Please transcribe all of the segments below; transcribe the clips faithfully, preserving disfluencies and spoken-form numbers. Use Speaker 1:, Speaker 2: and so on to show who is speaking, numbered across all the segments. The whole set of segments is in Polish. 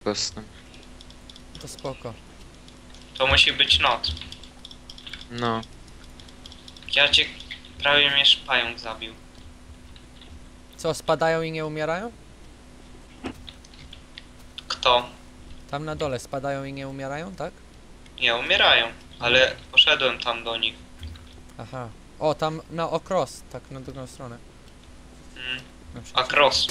Speaker 1: kostną.
Speaker 2: To spoko.
Speaker 3: To musi być noc.
Speaker 1: No.
Speaker 3: Ja cię prawie mnie pająk zabił.
Speaker 2: Co, spadają i nie umierają?
Speaker 3: Kto?
Speaker 2: Tam na dole spadają i nie umierają, tak?
Speaker 3: Nie, umierają. Ale poszedłem tam do nich.
Speaker 2: Aha. O, tam na okros, tak na drugą stronę.
Speaker 3: Mm.
Speaker 2: Na
Speaker 3: A
Speaker 2: przykład.
Speaker 3: cross.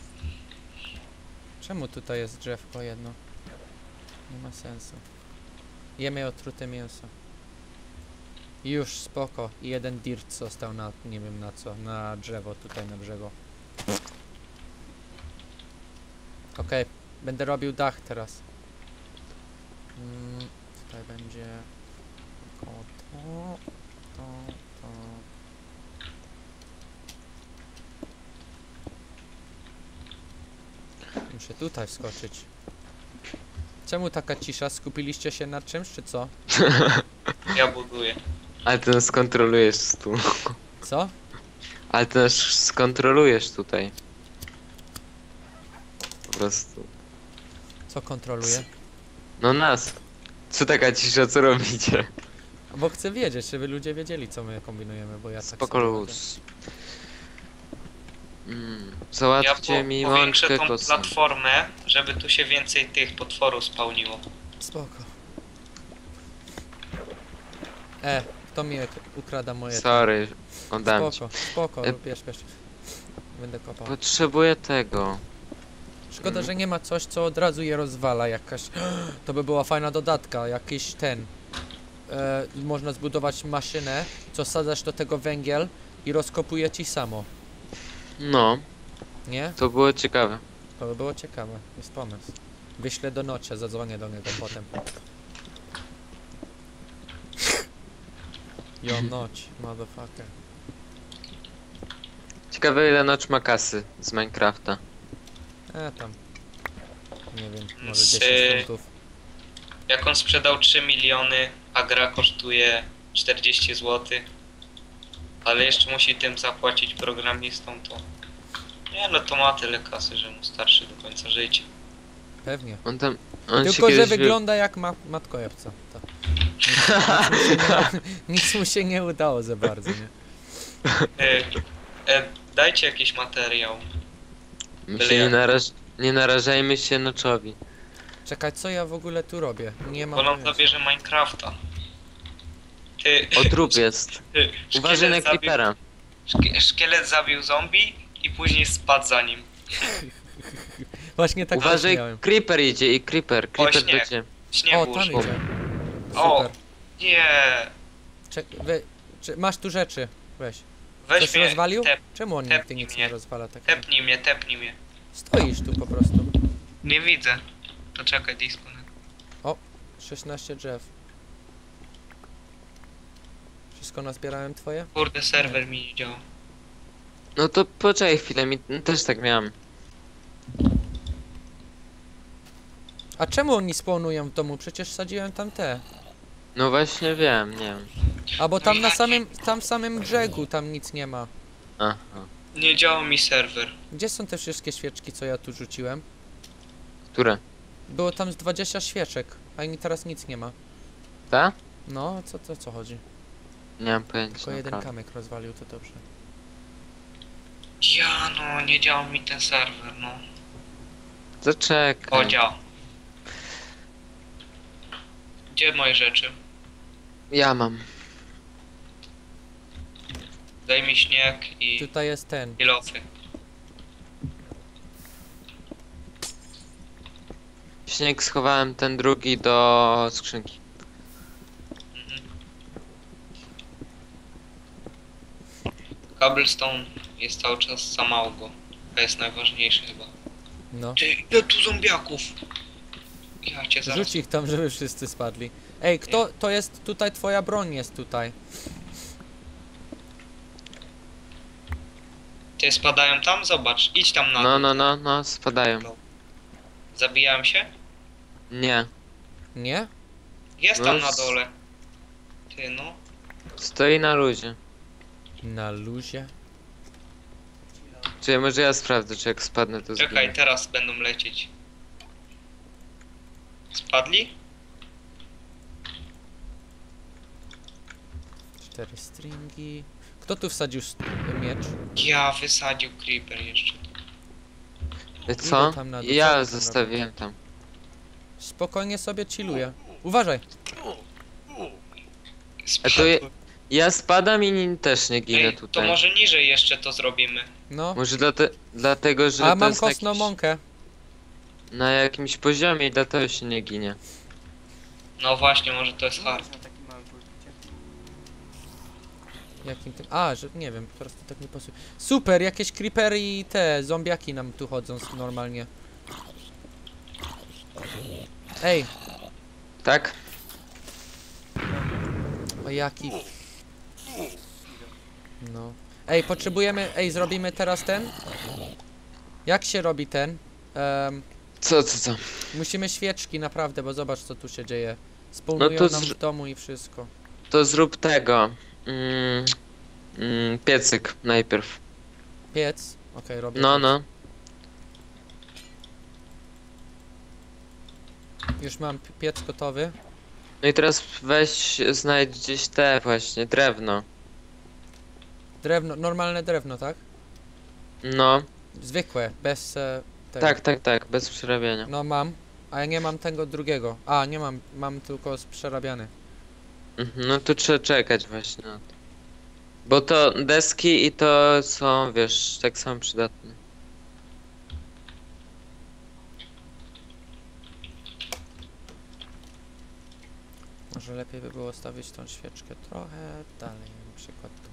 Speaker 2: Czemu tutaj jest drzewko jedno? Nie ma sensu. Jemy otrute mięso. I już spoko. I jeden dirt został na, nie wiem na co, na drzewo tutaj na brzegu. Okej, będę robił dach teraz. Mm, tutaj będzie około to, to, to. Muszę tutaj wskoczyć. Czemu taka cisza? Skupiliście się nad czymś, czy co?
Speaker 3: Ja buduję.
Speaker 1: Ale ty nas skontrolujesz tu.
Speaker 2: Co?
Speaker 1: Ale ty nas skontrolujesz tutaj. Po prostu.
Speaker 2: Co kontroluje?
Speaker 1: No nas. Co taka cisza, co robicie?
Speaker 2: Bo chcę wiedzieć, żeby ludzie wiedzieli, co my kombinujemy, bo ja tak
Speaker 1: Spoko
Speaker 2: sobie chodzę.
Speaker 1: luz. Mm,
Speaker 3: Ja
Speaker 1: załatwcie
Speaker 3: po,
Speaker 1: mi
Speaker 3: powiększę
Speaker 1: mączkę
Speaker 3: tą
Speaker 1: kosą.
Speaker 3: platformę, żeby tu się więcej tych potworów spełniło.
Speaker 2: Spoko. E, kto mi ukrada moje...
Speaker 1: Sorry, oddam ci.
Speaker 2: Spoko, spoko,
Speaker 1: E-
Speaker 2: bierz, bierz. Będę kopał.
Speaker 1: Potrzebuję tego.
Speaker 2: Szkoda, że nie ma coś, co od razu je rozwala, jakaś... To by była fajna dodatka, jakiś ten... E, można zbudować maszynę, co sadzasz do tego węgiel i rozkopuje ci samo.
Speaker 1: No,
Speaker 2: Nie?
Speaker 1: to było ciekawe.
Speaker 2: To by było ciekawe, jest pomysł. Wyślę do Nocia, zadzwonię do niego potem. Yo, Noć, motherfucker.
Speaker 1: Ciekawe ile Notch ma kasy z Minecrafta.
Speaker 2: E, tam. Nie wiem, może
Speaker 3: Z,
Speaker 2: dziesięć funtów.
Speaker 3: Jak on sprzedał trzy miliony, a gra kosztuje czterdzieści złotych, ale jeszcze musi tym zapłacić programistom, to... Nie no, to ma tyle kasy, że mu starszy do końca życia.
Speaker 2: Pewnie.
Speaker 1: On tam... On się
Speaker 2: Tylko, że
Speaker 1: kiedyś wy-
Speaker 2: wygląda jak ma matkojebca. To. Nic, nic, mu się nie, nic mu się nie udało za bardzo, nie?
Speaker 3: E, e, dajcie jakiś materiał.
Speaker 1: My się nie, naraż... nie narażajmy się Notchowi.
Speaker 2: Czekaj, co ja w ogóle tu robię? Nie mam
Speaker 3: Bo nam
Speaker 2: pojęcia.
Speaker 3: zabierze Minecrafta. Ty,
Speaker 1: O, trup jest.
Speaker 3: ty,
Speaker 1: Uważaj na
Speaker 3: szkielet zabił,
Speaker 1: creepera.
Speaker 3: szkie, szkielet zabił zombie i później spadł za nim.
Speaker 2: Właśnie tak
Speaker 1: Uważaj,
Speaker 2: miałem.
Speaker 1: creeper idzie i creeper. Creeper
Speaker 3: śnieg.
Speaker 1: będzie.
Speaker 3: Śniegu
Speaker 2: O, tam
Speaker 3: użył.
Speaker 2: idzie.
Speaker 3: O,
Speaker 2: Super.
Speaker 3: nie.
Speaker 2: Czek, wy, czy, masz tu rzeczy, weź.
Speaker 3: Weź
Speaker 2: Coś
Speaker 3: mnie,
Speaker 2: rozwalił?
Speaker 3: tep,
Speaker 2: Czemu on
Speaker 3: tepnij
Speaker 2: nigdy nic
Speaker 3: mnie.
Speaker 2: nie rozwala tak?
Speaker 3: tepnij mnie, tepnij mnie.
Speaker 2: Stoisz tu po prostu.
Speaker 3: Nie widzę. To czekaj, disconnect.
Speaker 2: szesnaście drzew. Wszystko nazbierałem twoje?
Speaker 3: Kurde, serwer mi nie działa.
Speaker 1: No to poczekaj chwilę, mi też tak miałem.
Speaker 2: A czemu oni spawnują w domu? Przecież sadziłem tam te.
Speaker 1: No właśnie wiem, nie wiem.
Speaker 2: A bo tam na samym, tam w samym brzegu tam nic nie ma.
Speaker 1: Aha.
Speaker 3: Nie działa mi serwer.
Speaker 2: Gdzie są te wszystkie świeczki, co ja tu rzuciłem?
Speaker 1: Które?
Speaker 2: Było tam z dwadzieścia świeczek, a mi teraz nic nie ma.
Speaker 1: Ta?
Speaker 2: No, co to co chodzi?
Speaker 1: Nie mam pojęcia.
Speaker 2: Tylko jeden
Speaker 1: naprawdę.
Speaker 2: kamyk rozwalił, to dobrze.
Speaker 3: Ja no, nie działa mi ten serwer, no.
Speaker 1: Zaczekaj.
Speaker 3: O, działa. Gdzie moje rzeczy?
Speaker 1: Ja mam.
Speaker 3: Daj mi śnieg i,
Speaker 2: Tutaj jest ten.
Speaker 3: i losy.
Speaker 1: Śnieg schowałem ten drugi do skrzynki.
Speaker 3: Mhm. Cobblestone jest cały czas za mało go. To jest najważniejsze chyba.
Speaker 2: No.
Speaker 3: Ty, ile tu zombiaków? Ja cię zaraz...
Speaker 2: Rzuć ich tam, żeby wszyscy spadli. Ej, kto, to jest tutaj, twoja broń jest tutaj.
Speaker 3: Ty spadają tam? Zobacz, idź tam na
Speaker 1: No,
Speaker 3: dół.
Speaker 1: no, no, no, spadają.
Speaker 3: Zabijałem się?
Speaker 1: Nie.
Speaker 2: Nie?
Speaker 3: Jest
Speaker 1: No
Speaker 3: tam na
Speaker 1: s-
Speaker 3: dole. Ty no.
Speaker 1: Stoi na luzie.
Speaker 2: Na luzie.
Speaker 1: Czy może ja sprawdzę, czy jak spadnę to
Speaker 3: Czekaj,
Speaker 1: zginę.
Speaker 3: teraz będą lecieć. wpadli?
Speaker 2: Cztery stringi. Kto tu wsadził st- miecz?
Speaker 3: Ja wysadził creeper jeszcze.
Speaker 1: E, Co?
Speaker 2: Idę tam na dół, co
Speaker 1: Ja
Speaker 2: ty tam
Speaker 1: zostawiłem tam.
Speaker 2: Spokojnie sobie chilluję. Uważaj!
Speaker 1: A to je,
Speaker 3: Spadłem.
Speaker 1: ja spadam i nin też nie ginę
Speaker 3: Ej, to
Speaker 1: tutaj.
Speaker 3: może niżej jeszcze to zrobimy.
Speaker 2: No.
Speaker 1: Może dlate, dlatego, że
Speaker 2: A
Speaker 1: to
Speaker 2: mam
Speaker 1: jest na,
Speaker 2: kostną
Speaker 1: jakiś,
Speaker 2: mąkę.
Speaker 1: na jakimś poziomie i dlatego się nie ginie.
Speaker 3: No właśnie, może to jest hard.
Speaker 4: Na taki mały pulpicie.
Speaker 2: Jakim tym... A, że nie wiem, teraz to tak nie pasuje. Super, jakieś creepery i te zombiaki nam tu chodzą s- normalnie. Ej,
Speaker 1: Tak?
Speaker 2: o jaki... No. Ej, potrzebujemy... Ej, zrobimy teraz ten? Jak się robi ten? Em,
Speaker 1: Co, co, co?
Speaker 2: musimy świeczki, naprawdę, bo zobacz co tu się dzieje. Spawnują
Speaker 1: No to
Speaker 2: nam
Speaker 1: zr-
Speaker 2: w domu i wszystko.
Speaker 1: To zrób tego. Mm, mm, piecyk najpierw.
Speaker 2: Piec? Okej, robię
Speaker 1: No,
Speaker 2: piec.
Speaker 1: no.
Speaker 2: Już mam pi- piec gotowy.
Speaker 1: No i teraz weź, znajdź gdzieś te właśnie, drewno.
Speaker 2: Drewno, normalne drewno, tak?
Speaker 1: No,
Speaker 2: Zwykłe, bez e, tego.
Speaker 1: tak, tak, tak, bez przerabiania.
Speaker 2: No mam, a ja nie mam tego drugiego. A, nie mam, mam tylko z przerabiany.
Speaker 1: Mhm, no to trzeba czekać właśnie na to. Bo to deski i to są, wiesz, tak samo przydatne.
Speaker 2: Może lepiej by było stawić tą świeczkę trochę dalej, na przykład tu.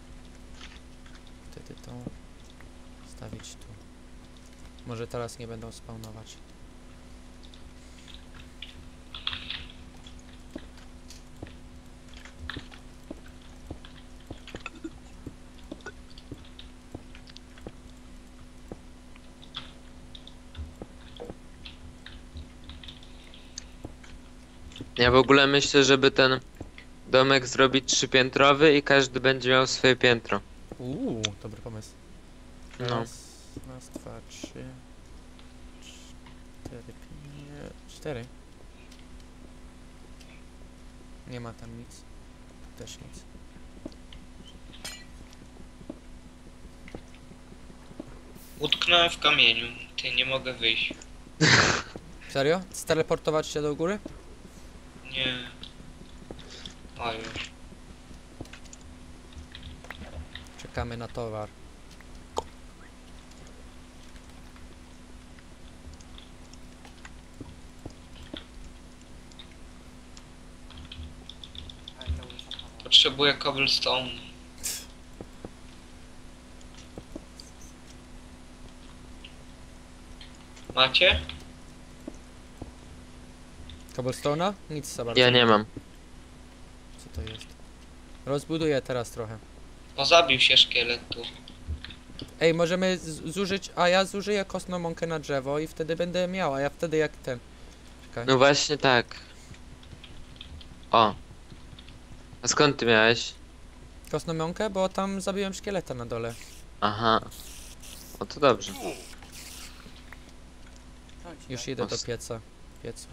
Speaker 2: Wtedy tą stawić tu. Może teraz nie będą spawnować.
Speaker 1: Ja w ogóle myślę, żeby ten domek zrobić trzypiętrowy i każdy będzie miał swoje piętro.
Speaker 2: Uuu, dobry pomysł.
Speaker 1: No.
Speaker 2: Raz, raz, dwa, trzy, cztery, pięć, cztery. Nie ma tam nic. Tu też nic.
Speaker 3: Utknąłem w kamieniu. Ty, nie mogę wyjść.
Speaker 2: Serio? Steleportować się do góry?
Speaker 3: Nie. O już.
Speaker 2: Czekamy na towar.
Speaker 4: Ale to już zachował.
Speaker 3: Potrzebuję cobblestone. Macie?
Speaker 2: Cobblestone'a? Nic za bardzo.
Speaker 1: Ja nie mam.
Speaker 2: Co to jest? Rozbuduję teraz trochę.
Speaker 3: O, zabił się szkielet tu.
Speaker 2: Ej, możemy z- zużyć, a ja zużyję kostną mąkę na drzewo i wtedy będę miał, a ja wtedy jak ten. Czekaj.
Speaker 1: No właśnie tak. O. A skąd ty miałeś?
Speaker 2: Kostną mąkę, bo tam zabiłem szkieleta na dole.
Speaker 1: Aha. O to dobrze.
Speaker 4: Chodź,
Speaker 2: Już
Speaker 4: tak.
Speaker 2: idę do
Speaker 1: Os-
Speaker 2: pieca. Piecu.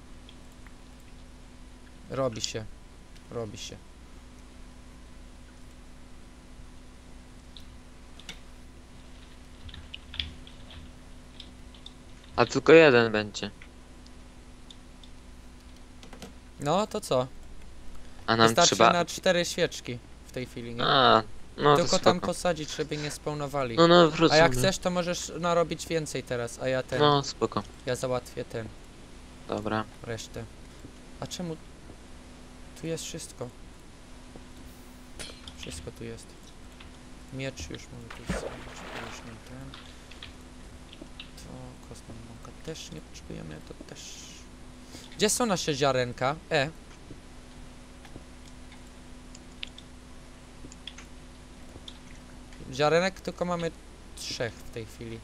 Speaker 2: Robi się. Robi się.
Speaker 1: A tylko jeden będzie.
Speaker 2: No to co?
Speaker 1: A nam
Speaker 2: Wystarczy
Speaker 1: trzeba...
Speaker 2: na cztery świeczki w tej chwili, nie?
Speaker 1: A, no to
Speaker 2: Tylko tam
Speaker 1: spoko.
Speaker 2: posadzić, żeby nie spawnowali.
Speaker 1: No, no,
Speaker 2: A
Speaker 1: wrócę.
Speaker 2: jak chcesz, to możesz narobić więcej teraz, a ja ten.
Speaker 1: No, spoko.
Speaker 2: Ja załatwię ten.
Speaker 1: Dobra.
Speaker 2: Resztę. A czemu? Tu jest wszystko. Wszystko tu jest. Miecz już mamy tu zrobić, to już nie ten. To kostną mąkę też nie potrzebujemy, to też. Gdzie są nasze ziarenka? E. Ziarenek tylko mamy trzech w tej chwili.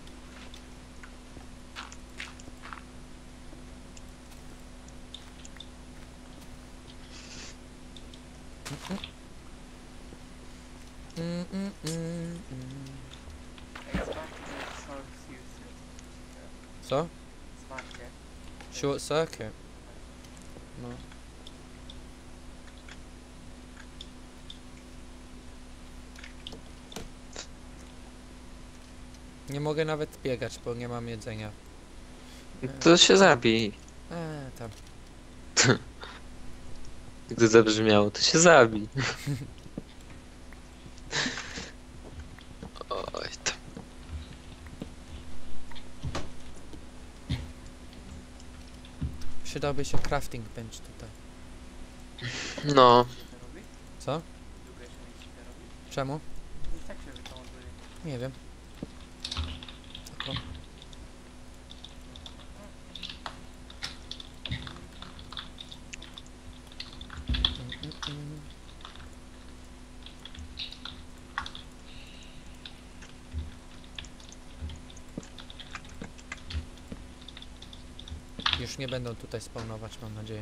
Speaker 2: Mm, mm, mm, mm.
Speaker 4: Ej, zobaczcie, że Short Fuse.
Speaker 2: Co?
Speaker 4: Zobaczcie.
Speaker 2: Short circuit. No. Nie mogę nawet biegać, bo nie mam jedzenia.
Speaker 1: To się zabij.
Speaker 2: Eee, tam.
Speaker 1: Gdy zabrzmiało, to się zabij. Oj, to...
Speaker 2: Przydałby się crafting bench tutaj.
Speaker 1: No,
Speaker 4: To robi?
Speaker 2: Co?
Speaker 4: Długo jeszcze będziecie to robić?
Speaker 2: Czemu?
Speaker 4: I tak się wykołąduje.
Speaker 2: Nie wiem. Tylko. Mm, mm, mm. Już nie będą tutaj spawnować, mam nadzieję.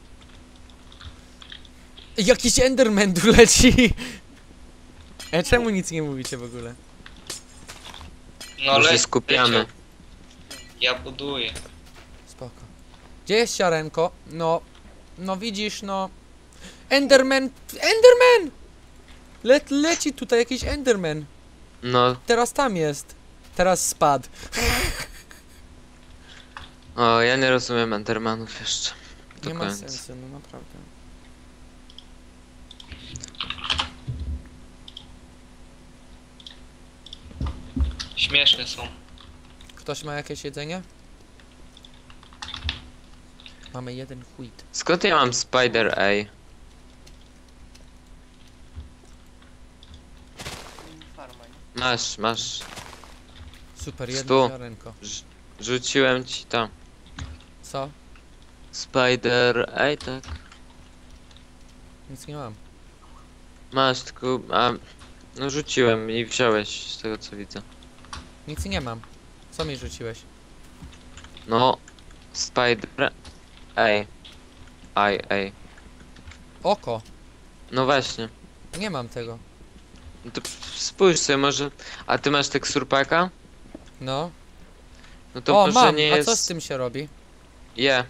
Speaker 2: Jakiś Enderman tu leci! E, czemu nic nie mówicie w ogóle?
Speaker 3: No
Speaker 1: już
Speaker 3: le-
Speaker 1: się skupiamy.
Speaker 3: leciał. Ja buduję.
Speaker 2: Spoko. Gdzie jest siarenko? No, no widzisz, no... Enderman! Enderman! Le leci tutaj jakiś Enderman.
Speaker 1: No,
Speaker 2: Teraz tam jest. Teraz spadł.
Speaker 1: o, ja nie rozumiem Endermanów jeszcze. Do
Speaker 2: Nie ma
Speaker 1: końca.
Speaker 2: sensu, no naprawdę.
Speaker 3: Śmieszne są.
Speaker 2: Ktoś ma jakieś jedzenie? Mamy jeden wheat.
Speaker 1: Skąd ja mam Spider A?
Speaker 4: Mm, Farma, nie?
Speaker 1: Masz, masz.
Speaker 2: Super, jedno
Speaker 1: Stu.
Speaker 2: ziarenko.
Speaker 1: Rzuciłem ci tam.
Speaker 2: Co?
Speaker 1: Spider A, tak?
Speaker 2: Nic nie mam.
Speaker 1: Masz, tylko... A, no rzuciłem i wziąłeś, z tego co widzę.
Speaker 2: Nic nie mam. Co mi rzuciłeś?
Speaker 1: No, Spider A. I A.
Speaker 2: Oko.
Speaker 1: No właśnie.
Speaker 2: Nie mam tego.
Speaker 1: No to spójrz sobie może... A ty masz teksturpaka?
Speaker 2: No.
Speaker 1: No to
Speaker 2: O,
Speaker 1: może
Speaker 2: mam.
Speaker 1: nie
Speaker 2: A
Speaker 1: jest...
Speaker 2: co z tym się robi?
Speaker 1: Je.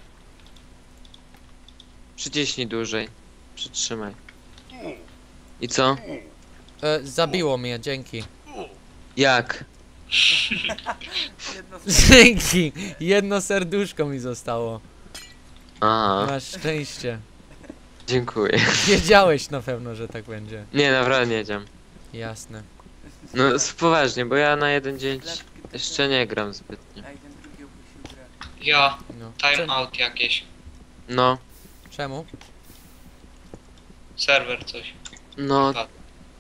Speaker 1: Przyciśnij dłużej. Przytrzymaj. I co?
Speaker 2: E, zabiło mnie, dzięki.
Speaker 1: Jak?
Speaker 4: Jedno z
Speaker 2: Dzięki! Jedno serduszko mi zostało.
Speaker 1: Aha,
Speaker 2: Masz szczęście.
Speaker 1: dziękuję.
Speaker 2: Wiedziałeś na pewno, że tak będzie.
Speaker 1: Nie, naprawdę nie wiedziałem.
Speaker 2: Jasne.
Speaker 1: No s- poważnie, bo ja na jeden dzień
Speaker 4: sklepki to
Speaker 1: jeszcze nie gram zbytnio.
Speaker 4: A jeden drugi opuścił grę.
Speaker 3: Ja,
Speaker 2: No.
Speaker 3: time
Speaker 2: Czem-
Speaker 3: out jakieś.
Speaker 1: No,
Speaker 2: Czemu?
Speaker 3: Serwer coś.
Speaker 1: no,
Speaker 3: Tak.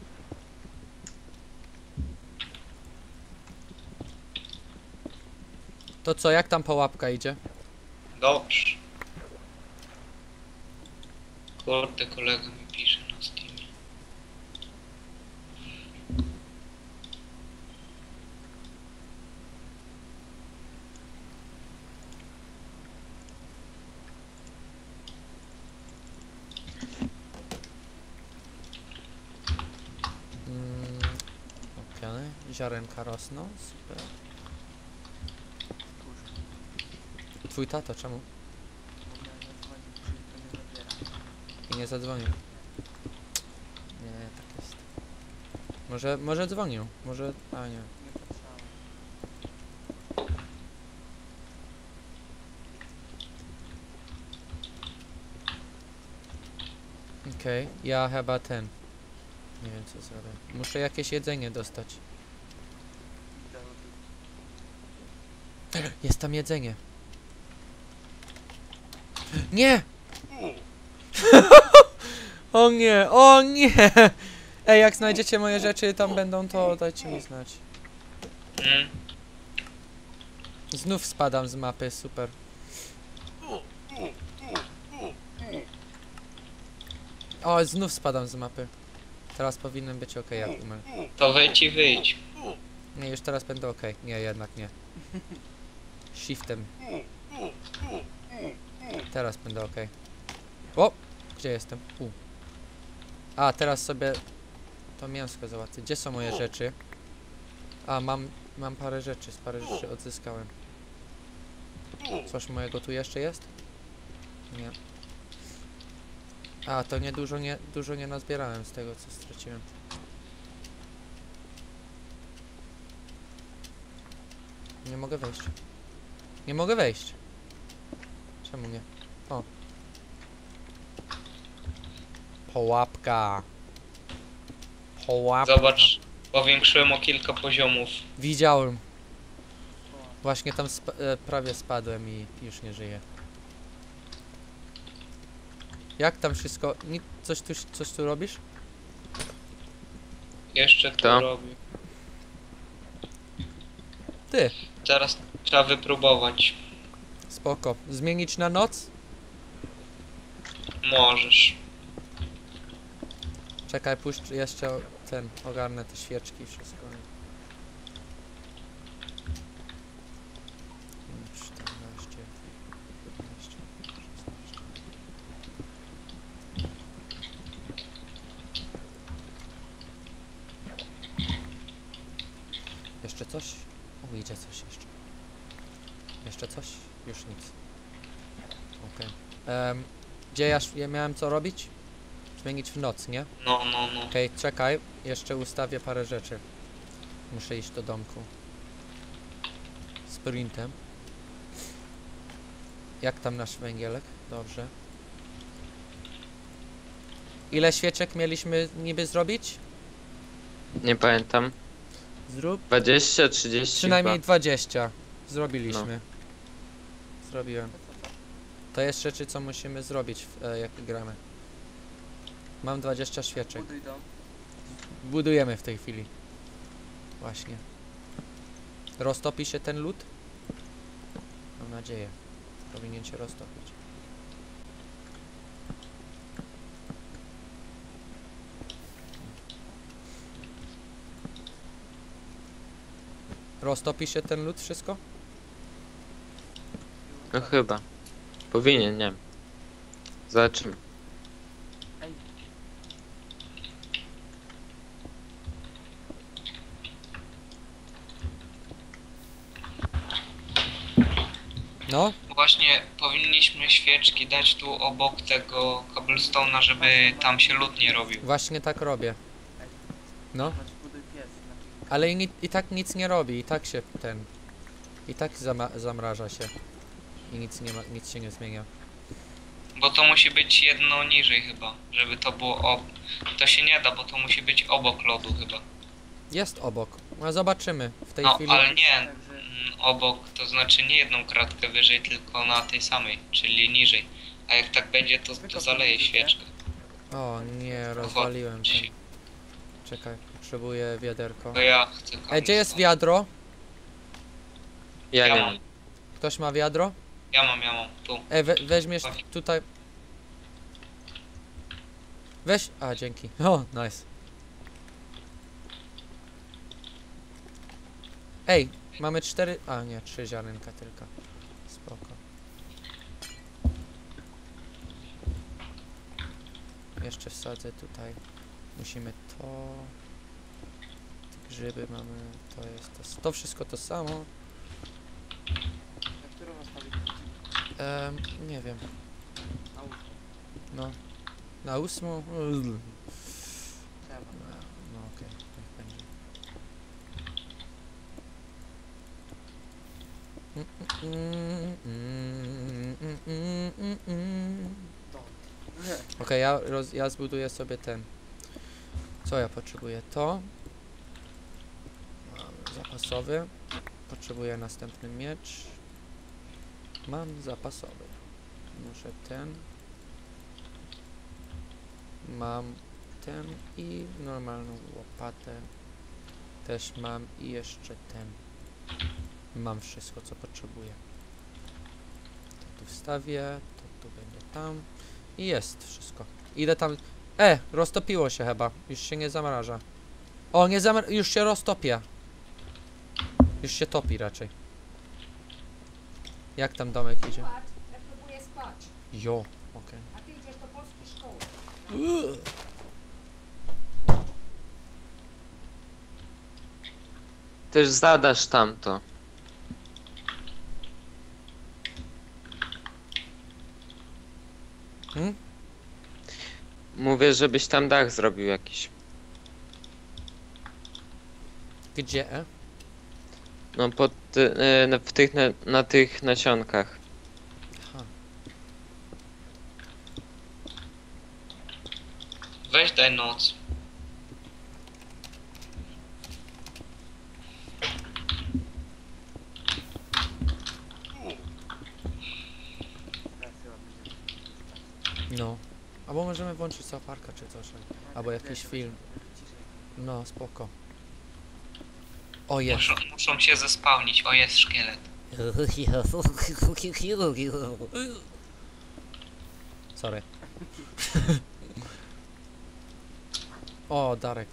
Speaker 2: To co, jak tam połapka idzie?
Speaker 3: Dobrze. Kurde, kolega mi pisze na Steamie.
Speaker 2: Mm, Okej, ziarenka rosną, super.
Speaker 4: Kurczę,
Speaker 2: Twój tato, czemu?
Speaker 4: bo miałem zadzwonić, czy to nie zabiera.
Speaker 2: I nie zadzwonił. Nie, tak jest. Może, może dzwonił, może... A nie.
Speaker 4: Nie patrzałem.
Speaker 2: Okej, ja chyba ten. Nie wiem co zrobię. Muszę jakieś jedzenie dostać.
Speaker 4: Idę do-
Speaker 2: Jest tam jedzenie. Nie! O nie, o nie! Ej, jak znajdziecie moje rzeczy, tam będą, to dajcie mi znać.
Speaker 3: Mm.
Speaker 2: Znów spadam z mapy, super. O, znów spadam z mapy. Teraz powinien być ok, jak umiem.
Speaker 3: To wejdź i wyjdź.
Speaker 2: Nie, już teraz będę ok. Nie, jednak nie. Shiftem. Teraz będę ok. O! Gdzie jestem? U. A, teraz sobie to mięsko załatwię. Gdzie są moje rzeczy? A, mam, mam parę rzeczy, z parę rzeczy odzyskałem. Coś mojego tu jeszcze jest? Nie. A, to nie dużo nie, dużo nie nazbierałem z tego, co straciłem. Nie mogę wejść. Nie mogę wejść. Czemu nie? O. Połapka. Połapka.
Speaker 3: Zobacz, powiększyłem o kilka poziomów.
Speaker 2: Widziałem. Właśnie tam spa e, prawie spadłem i już nie żyję. Jak tam wszystko? Ni coś, tu, coś tu robisz?
Speaker 3: Jeszcze
Speaker 1: Kto?
Speaker 3: to robię.
Speaker 2: Ty.
Speaker 3: Teraz trzeba wypróbować.
Speaker 2: Spoko. Zmienić na noc?
Speaker 3: Możesz.
Speaker 2: Czekaj, puszcz jeszcze ten, ogarnę te świeczki i wszystko. czternaście, piętnaście, szesnaście. Jeszcze coś? O, idzie coś jeszcze. Jeszcze coś? Już nic. Okej. Em, Gdzie ja, sz- ja miałem co robić? Zmienić w noc, nie?
Speaker 3: No, no, no.
Speaker 2: Okej, czekaj, jeszcze ustawię parę rzeczy. Muszę iść do domku. Sprintem. Jak tam nasz węgielek? Dobrze. Ile świeczek mieliśmy niby zrobić?
Speaker 1: Nie pamiętam.
Speaker 2: Zrób.
Speaker 1: dwadzieścia, trzydzieści
Speaker 2: Przynajmniej
Speaker 1: chyba.
Speaker 2: dwadzieścia. Zrobiliśmy.
Speaker 1: No.
Speaker 2: Zrobiłem. To jest rzeczy, co musimy zrobić, w, e, jak gramy. Mam dwadzieścia świeczek.
Speaker 4: Buduj dom.
Speaker 2: Budujemy w tej chwili. Właśnie. Roztopi się ten lód? Mam nadzieję. Powinien się roztopić. Roztopi się ten lód wszystko?
Speaker 1: No chyba. Powinien, nie wiem. Zobaczymy.
Speaker 4: Ej,
Speaker 2: No,
Speaker 3: Właśnie powinniśmy świeczki dać tu obok tego cobblestone'a, żeby tam się lód nie robił.
Speaker 2: właśnie tak robię. No,
Speaker 4: patrz, buduj pies. Znaczy,
Speaker 2: ale i, ni- i tak nic nie robi, i tak się ten... I tak zama- zamraża się. I nic nie ma, nic się nie zmienia.
Speaker 3: Bo to musi być jedno niżej chyba, żeby to było ob... To się nie da, bo to musi być obok lodu chyba.
Speaker 2: Jest obok. No zobaczymy w tej
Speaker 3: No,
Speaker 2: chwili.
Speaker 3: ale nie,
Speaker 4: Także
Speaker 3: mm, obok to znaczy nie jedną kratkę wyżej, tylko na tej samej, czyli niżej. A jak tak będzie, to, to zaleje świeczkę.
Speaker 2: O nie, rozwaliłem ten. Czekaj, potrzebuję wiaderko.
Speaker 3: To ja chcę
Speaker 2: Ej, gdzie jest
Speaker 3: cobblestone.
Speaker 2: wiadro?
Speaker 1: Ja
Speaker 3: Ja
Speaker 1: nie
Speaker 3: mam.
Speaker 1: mam.
Speaker 2: Ktoś ma wiadro?
Speaker 3: Ja mam, ja mam, tu.
Speaker 2: Ej, we weźmiesz tutaj... Weź... A, dzięki. O, nice. Ej, mamy cztery... A, nie, trzy ziarnka tylko. Spoko. Jeszcze wsadzę tutaj. Musimy to... Te grzyby mamy, to jest to... To wszystko to samo.
Speaker 4: na którą nastawić?
Speaker 2: Em, nie wiem.
Speaker 4: Na łóżko.
Speaker 2: No. Na ósmą? Ugh.
Speaker 4: Trzeba.
Speaker 2: No okej, niech będzie.
Speaker 4: Dom.
Speaker 2: Okej, ja, roz, ja zbuduję sobie ten. Co ja potrzebuję? To. Mam zapasowy. Potrzebuję następny miecz. Mam zapasowy. Muszę ten. Mam ten i normalną łopatę. Też mam i jeszcze ten. Mam wszystko, co potrzebuję. To tu wstawię, to tu będzie tam. I jest wszystko. Idę tam... E! Roztopiło się chyba. Już się nie zamraża. O, nie zamra... Już się roztopia. Już się topi raczej. Jak tam domek idzie?
Speaker 5: Spać, ja próbuję spać,
Speaker 2: Jo, okej.
Speaker 5: a ty idziesz do polskiej szkoły.
Speaker 1: Też zadasz tamto.
Speaker 2: Hmm?
Speaker 1: Mówię, żebyś tam dach zrobił jakiś.
Speaker 2: Gdzie?
Speaker 1: No pod, ty- e, na, w tych, na, na tych nasionkach.
Speaker 2: Aha.
Speaker 3: Weź daj noc.
Speaker 4: Teraz chyba będzie.
Speaker 2: No. Albo możemy włączyć South Parka czy coś. Albo jakiś film.
Speaker 4: Ciszej.
Speaker 2: No, spoko. O, jest.
Speaker 3: Muszą, muszą się zespałnić. O, jest szkielet.
Speaker 2: Sorry. O, Darek.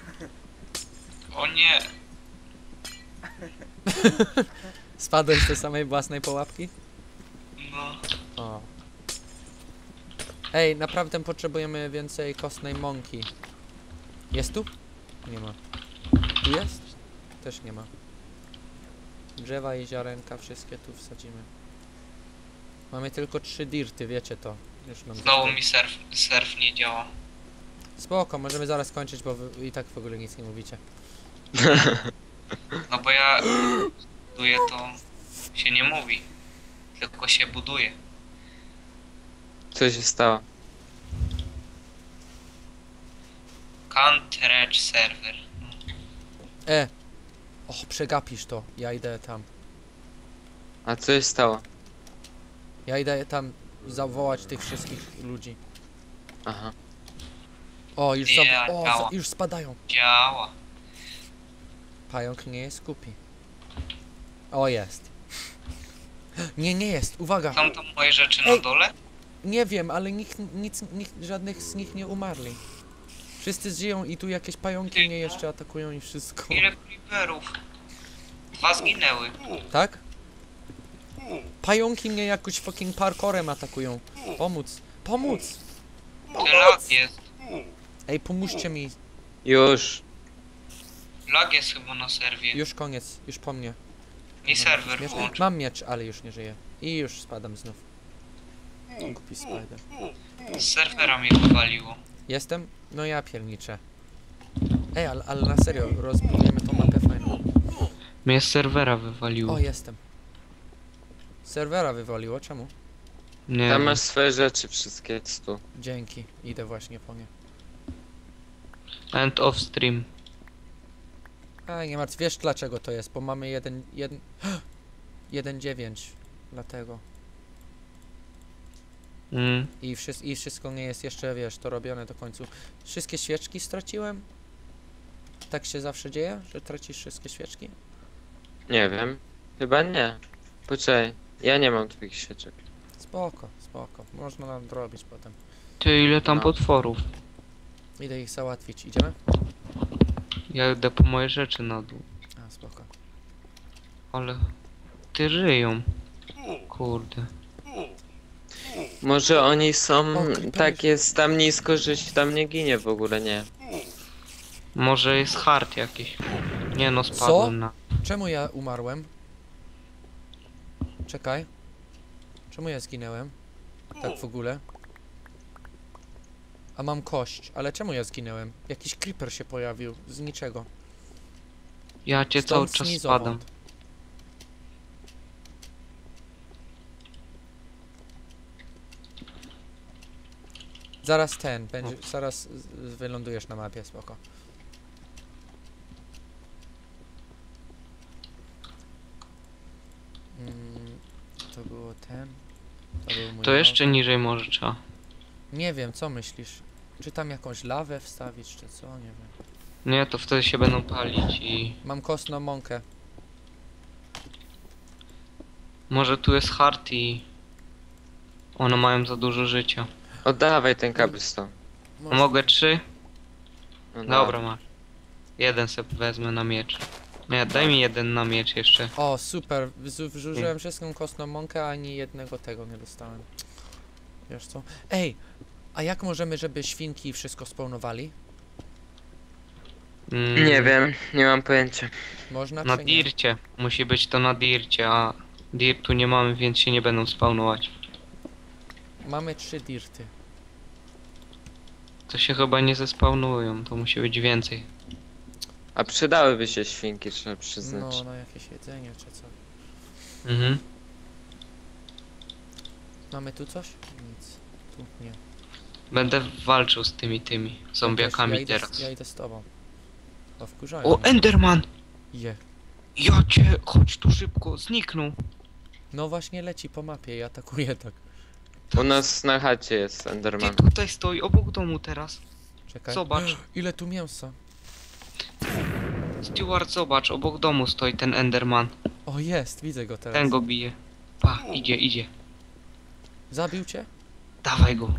Speaker 3: O nie.
Speaker 2: Spadłeś z tej samej własnej pułapki?
Speaker 3: No.
Speaker 2: O. Ej, naprawdę potrzebujemy więcej kostnej mąki. Jest tu? Nie ma. Tu jest? Też nie ma. Drzewa i ziarenka wszystkie tu wsadzimy. Mamy tylko trzy dirty, wiecie to. Już nam
Speaker 3: Znowu
Speaker 2: zostało.
Speaker 3: mi surf, surf nie działa.
Speaker 2: Spoko, możemy zaraz kończyć, bo wy i tak w ogóle nic nie mówicie.
Speaker 3: No bo ja buduję to się nie mówi. Tylko się buduje.
Speaker 1: Co się stało?
Speaker 3: Can't reach server.
Speaker 2: E! Och, przegapisz to. Ja idę tam.
Speaker 1: A co się stało?
Speaker 2: Ja idę tam zawołać tych wszystkich ludzi.
Speaker 1: Aha.
Speaker 2: O, już,
Speaker 3: Nie,
Speaker 2: za o, za
Speaker 3: działa.
Speaker 2: już spadają.
Speaker 3: Działa.
Speaker 2: Pająk nie jest głupi. O, jest. Nie, nie jest. Uwaga.
Speaker 3: Są tam moje rzeczy
Speaker 2: Ej.
Speaker 3: na dole?
Speaker 2: Nie wiem, ale nikt, nic, nikt, żadnych z nich nie umarli. Wszyscy żyją i tu jakieś pająki mnie jeszcze atakują i wszystko.
Speaker 3: Ile creeperów? Dwa zginęły.
Speaker 2: Tak? Pająki mnie jakoś fucking parkorem atakują. Pomóc. Pomóc!
Speaker 3: Ty lag jest.
Speaker 2: Ej, pomóżcie mi.
Speaker 1: Już.
Speaker 3: Lag jest chyba na serwie.
Speaker 2: Już koniec. Już po mnie.
Speaker 3: Mi serwer
Speaker 2: Miecz-
Speaker 3: włącz.
Speaker 2: Mam miecz, ale już nie żyję. I już spadam znów. Głupi spider.
Speaker 3: Z serwera mnie wywaliło.
Speaker 2: Jestem? No ja pierniczę. Ej, ale, ale na serio, rozbudujemy tą mapę fajną.
Speaker 3: Mnie z serwera wywaliło.
Speaker 2: O, jestem. Serwera wywaliło, czemu?
Speaker 3: Nie
Speaker 1: Tam
Speaker 3: wiem.
Speaker 1: masz swoje rzeczy wszystkie tu.
Speaker 2: Dzięki, idę właśnie po nie.
Speaker 3: End of stream.
Speaker 2: A, nie martw, wiesz dlaczego to jest, bo mamy jeden, jeden, jeden dziewięć, dlatego.
Speaker 3: Mm.
Speaker 2: I, wszy I wszystko nie jest jeszcze, wiesz, to robione do końca. Wszystkie świeczki straciłem? Tak się zawsze dzieje, że tracisz wszystkie świeczki?
Speaker 1: Nie wiem. Chyba nie. Poczekaj. Ja nie mam twoich świeczek.
Speaker 2: Spoko, spoko, można nadrobić potem.
Speaker 3: Ty, ile tam
Speaker 1: No.
Speaker 3: potworów?
Speaker 2: Idę ich załatwić, idziemy?
Speaker 3: Ja idę po moje rzeczy na dół.
Speaker 2: A, spoko.
Speaker 3: Ale... Ty żyją. Kurde.
Speaker 1: Może oni są
Speaker 2: O, creepery.
Speaker 1: tak jest tam nisko, że się tam nie ginie w ogóle, nie.
Speaker 3: Może jest hard jakiś. Nie no, spadłem na...
Speaker 2: Czemu ja umarłem? Czekaj. Czemu ja zginęłem? Tak w ogóle. A mam kość, ale czemu ja zginęłem? Jakiś creeper się pojawił, z niczego.
Speaker 3: Ja cię cały
Speaker 2: Stąd
Speaker 3: czas
Speaker 2: snizowąd.
Speaker 3: spadam.
Speaker 2: Zaraz ten, będzie, zaraz z- z- wylądujesz na mapie, spoko. Mm, to było ten. To był mój
Speaker 3: To jeszcze niżej może trzeba.
Speaker 2: małp. Nie wiem, co myślisz? Czy tam jakąś lawę wstawić, czy co? Nie wiem.
Speaker 3: Nie, to wtedy się będą palić i...
Speaker 2: Mam kostną mąkę.
Speaker 3: Może tu jest hard i... One mają za dużo życia.
Speaker 1: Oddawaj ten cobblestone.
Speaker 3: A
Speaker 2: Może-
Speaker 3: mogę trzy?
Speaker 1: No,
Speaker 3: Dobra, masz. Jeden sobie wezmę na miecz. Nie, daj mi jeden na miecz jeszcze.
Speaker 2: O, super. Wzu- Wrzuciłem wszystką kostną mąkę, a ani jednego tego nie dostałem. Wiesz co? Ej! A jak możemy, żeby świnki wszystko spełnowali?
Speaker 3: Mm,
Speaker 1: Nie wiem, nie mam pojęcia.
Speaker 2: Można
Speaker 3: Na
Speaker 2: czy nie?
Speaker 3: dircie. Musi być to na dircie, a dirtu nie mamy, więc się nie będą spawnować.
Speaker 2: Mamy trzy dirty.
Speaker 3: To się chyba nie zespawnują, to musi być więcej.
Speaker 1: A przydałyby się świnki, trzeba przyznać.
Speaker 2: No, na jakieś jedzenie czy co.
Speaker 3: Mhm.
Speaker 2: Mamy tu coś? Nic. Tu nie.
Speaker 3: Będę walczył z tymi tymi zombiakami
Speaker 2: ja idę,
Speaker 3: teraz.
Speaker 2: Ja idę z tobą. O, wkurzają
Speaker 3: O,
Speaker 2: mnie.
Speaker 3: Enderman!
Speaker 2: Je.
Speaker 3: Ja cię, chodź tu szybko, zniknął.
Speaker 2: No właśnie leci po mapie i atakuje tak.
Speaker 1: U nas na chacie jest
Speaker 3: Ty
Speaker 1: Enderman.
Speaker 3: tutaj stoi, obok domu teraz.
Speaker 2: Czekaj.
Speaker 3: Zobacz.
Speaker 2: Ile tu mięsa.
Speaker 3: Steward, zobacz, obok domu stoi ten Enderman.
Speaker 2: O, jest, widzę go teraz.
Speaker 3: Ten go bije. Pa, idzie, idzie.
Speaker 2: Zabił cię?
Speaker 3: Dawaj go.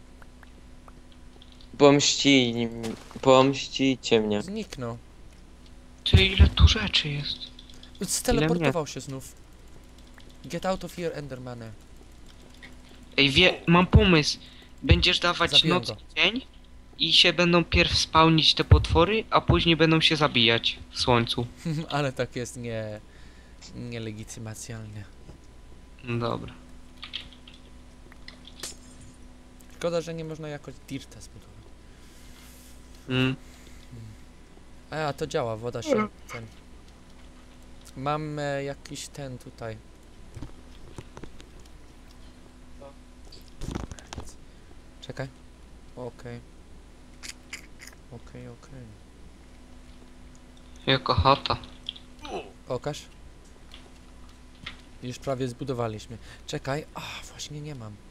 Speaker 1: Pomści... Pomścicie mnie.
Speaker 2: Zniknął.
Speaker 3: Ty, ile tu rzeczy jest.
Speaker 2: Steleportował się znów. Get out of here, Endermanie.
Speaker 3: Ej, wie, mam pomysł. Będziesz dawać
Speaker 2: Zabiłem
Speaker 3: noc
Speaker 2: go.
Speaker 3: i dzień i się będą pierw spałnić te potwory, a później będą się zabijać w słońcu.
Speaker 2: Ale tak jest nie... nielegitymacjalnie.
Speaker 3: No dobra.
Speaker 2: Szkoda, że nie można jakoś dirta zbudować.
Speaker 3: Mm.
Speaker 2: A, to działa, woda się ten... Mam e, jakiś ten tutaj. Czekaj. Okej. Okej, okej.
Speaker 3: Jaka chata.
Speaker 2: Pokaż. Już prawie zbudowaliśmy. Czekaj. A, właśnie nie mam.